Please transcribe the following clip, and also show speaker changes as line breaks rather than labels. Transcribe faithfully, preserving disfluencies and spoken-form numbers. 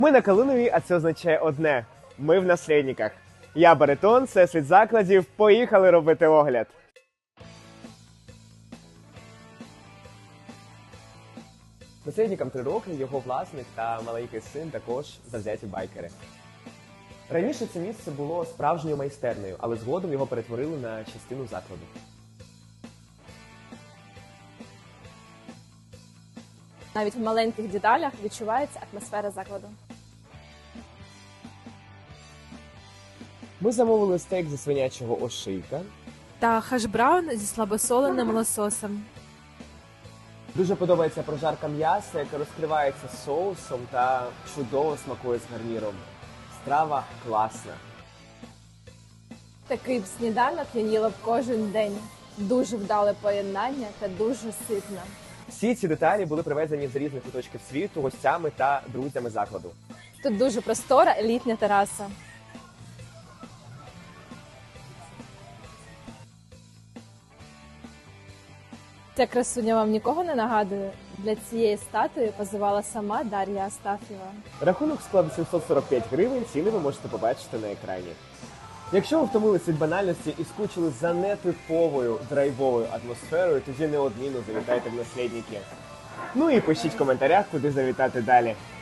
Ми на Калиновій, а це означає одне – ми в наслідниках. Я Баритон, це світ закладів, поїхали робити огляд. Наслідникам три роки, його власник та маленький син також завзяті байкери. Раніше це місце було справжньою майстернею, але згодом його перетворили на частину закладу.
Навіть в маленьких деталях відчувається атмосфера закладу.
Ми замовили стейк зі свинячого ошийка.
Та хаш-браун зі слабосоленим лососем.
Дуже подобається прожарка м'яса, яка розкривається соусом та чудово смакує з гарніром. Страва класна.
Такий б сніданок я їла б кожен день. Дуже вдале поєднання та дуже ситно.
Всі ці деталі були привезені з різних куточків світу гостями та друзями закладу.
Тут дуже простора елітня тераса. Ця красуня вам нікого не нагадує? Для цієї статуї позивала сама Дар'я Астафєва.
Рахунок склав сімсот сорок п'ять гривень, ціни ви можете побачити на екрані. Якщо ви втомилися від банальності і скучили за нетиповою драйвовою атмосферою, тоді неодмінно завітайте в наслідники. Ну і пишіть в коментарях, куди завітати далі.